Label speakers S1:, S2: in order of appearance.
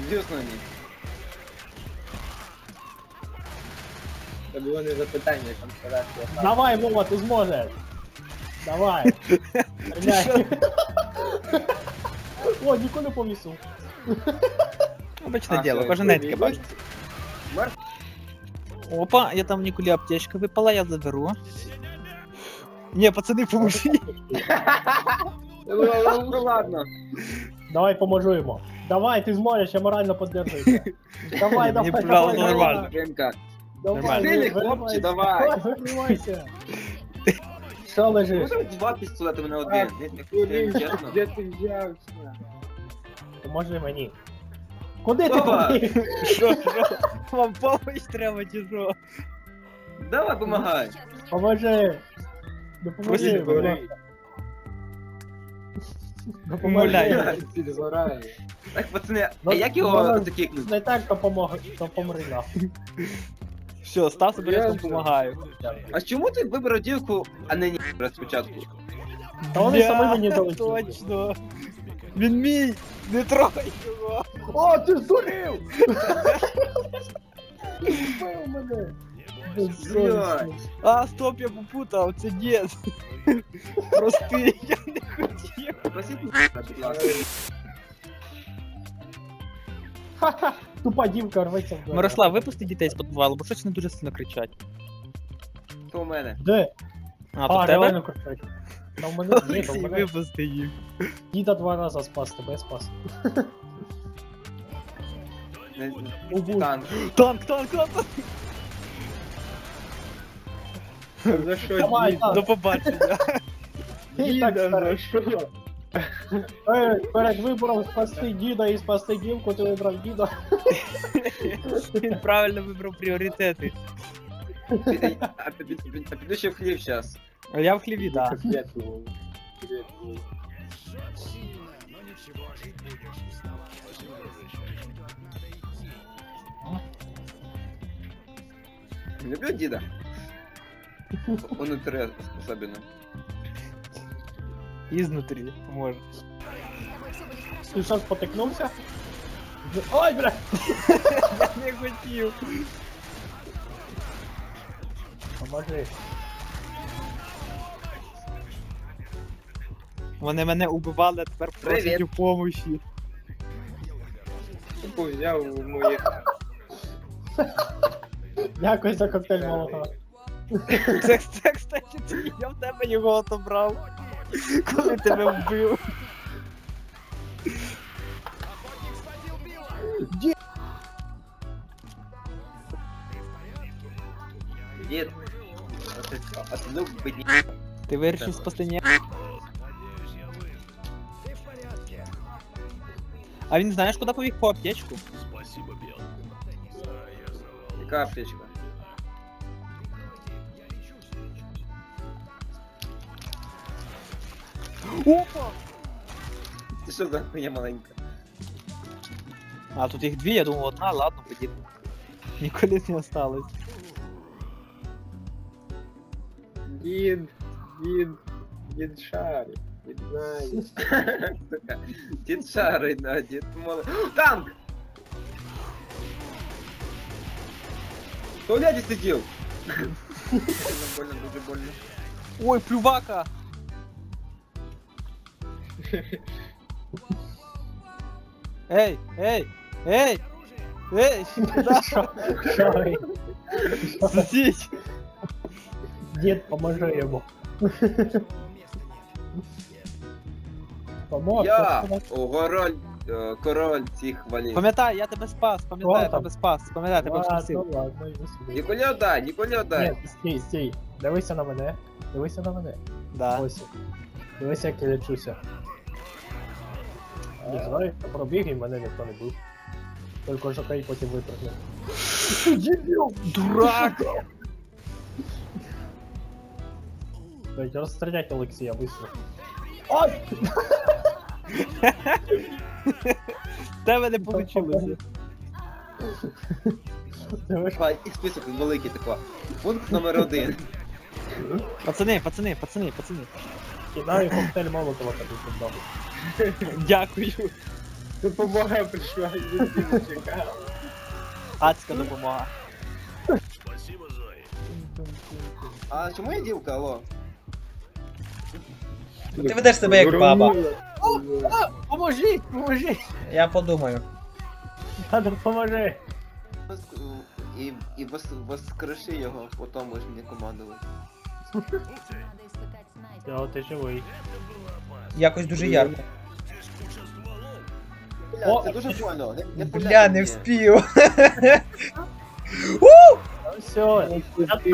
S1: Дюснули. Це було не запитання, там сказати.
S2: Давай, Вова, ти зможеш. Давай. Стріляй. О, ніколи не повісив.
S3: Обичне діло, кожен день таке бачить. Опа, я там Ніколі аптечка випала, я заберу. Ні, пацани, поможіть.
S1: Ну ладно.
S2: Давай поможу йому. Давай, ти зможеш, я морально підтримую. Давай, давай,
S3: Мені,
S2: давай,
S3: правда, нормально.
S1: Ринка.
S2: Давай,
S1: Сильний
S2: виривайся.
S1: хлопче, давай.
S2: Виривайся. Що лежиш?
S1: Можна два пістолети мене один. Чесно.
S4: Де ти взявся?
S2: Поможи мені. Куди ти
S1: Давай.
S2: побіг?
S3: Що? Вам помощь треба чи що?
S1: Давай, помагай.
S2: Поможи. Допоможи,
S3: Просить,
S2: будь ласка.
S3: Умоляю.
S4: Підгорає.
S1: Так, пацани,
S2: Ну,
S1: а як його закикнути?
S2: Не так, то помри нахуй.
S3: Все, став себе, я вам допомагаю.
S1: А чому ти вибрав дівку, а не ні спочатку?
S2: Та вони самі мені дали.
S3: Точно. Він мій, не трогай його.
S2: О, ти здурів! Збив мене! Безсовісний.
S3: А, стоп, я попутав, це дід. Прости, я не хотів.
S1: Просіть мене, будь ласка.
S2: Ха-ха! Тупа дівка рветься в двері.
S3: Мирослав, випусти дітей з підвалу, бо щось вони дуже сильно кричать.
S1: То у мене.
S2: Де?
S3: А, то в
S2: реально
S3: тебе?
S2: кричать. Та в мене ні, та в
S3: Олексій,
S2: мене
S3: випусти їх.
S2: діда 2 рази спас, тебе спас. Убув.
S1: Танк.
S3: Танк, танк, танк!
S4: За що
S2: Давай,
S4: дід?
S2: так.
S3: До побачення.
S2: Ти так
S4: Діда,
S2: старий.
S4: за що?
S2: Перед вибором спасти діда і спасти дівку, ти вибрав діда.
S3: Він правильно вибрав пріоритети.
S1: А піду ще в хліб зараз.
S3: А я в хліві, да.
S4: Привіт, Вова. Привіт, Вова.
S1: Люблю діда. Унутрі особливо.
S3: Ізнутрі, може.
S2: Ти що, спотикнувся? Ой, бля!
S3: Я не хотів.
S2: Поможи.
S3: Вони мене убивали, а тепер просять
S1: Привіт.
S3: у помощі.
S4: Тупо взяв у моїх.
S2: Дякую за коктейль молока.
S3: Це, кстати, ти, я в тебе його отобрав. Коли тебе вбив.
S1: Дід. А ти ну бідні.
S3: Ти вирішив спасти ні? А він знаєш, куди побіг по аптечку?
S1: Яка аптечка?
S3: Опа!
S1: Ти що за хуйня маленька?
S3: А, тут їх дві, я думав одна, ладно, подібно. Ніколи не осталось.
S4: Дід, дід шарить. Дід знає.
S1: Сука. Дід шарить, да, дід молодий. Танк! В туалеті сидів! Больно, дуже больно.
S3: Ой, плювака! Ей, ей, ей! Ей, куда?
S2: Шарий.
S3: Сусідь!
S2: Дід, поможи йому. Помог.
S1: Я! Король цих валів.
S3: Пам'ятай, я тебе спас, пам'ятай, я
S2: Хто там?
S3: тебе спас, пам'ятай, я тебе
S2: Ладно,
S3: спасив.
S2: ладно, йди сюди.
S1: Ніколя дай!
S2: Ні, стій, стій. Дивися на мене. Дивися на мене.
S3: Да.
S2: Ось. Дивися, як я лечуся. Не знаю, я пробіг і мене ніхто не бив. Тільки жокей потім випрыгнув. Дебіл!
S3: Дурак!
S2: Дайте розстріляти Олексія, быстро. Ой!
S3: В тебе не вийшло.
S1: Давай, і список великий такого. Пункт номер 1.
S3: Пацани, пацани, пацани, пацани.
S2: Кидаю коктейль молотова тобі під ногу.
S3: Дякую.
S4: Допомога прийшла, він не чекав.
S3: Адська допомога.
S1: А чому я дівка, алло?
S5: Ти ведеш себе як баба.
S2: Поможіть, поможіть!
S5: Я подумаю.
S2: Надо поможи!
S1: І воскреши його, потім можеш мені командувати.
S2: О, ти живий.
S5: Якось дуже ярко.
S1: Бля,
S2: О!
S1: це дуже больно. Не
S5: Бля, не
S1: мені.
S5: вспів.
S2: Все,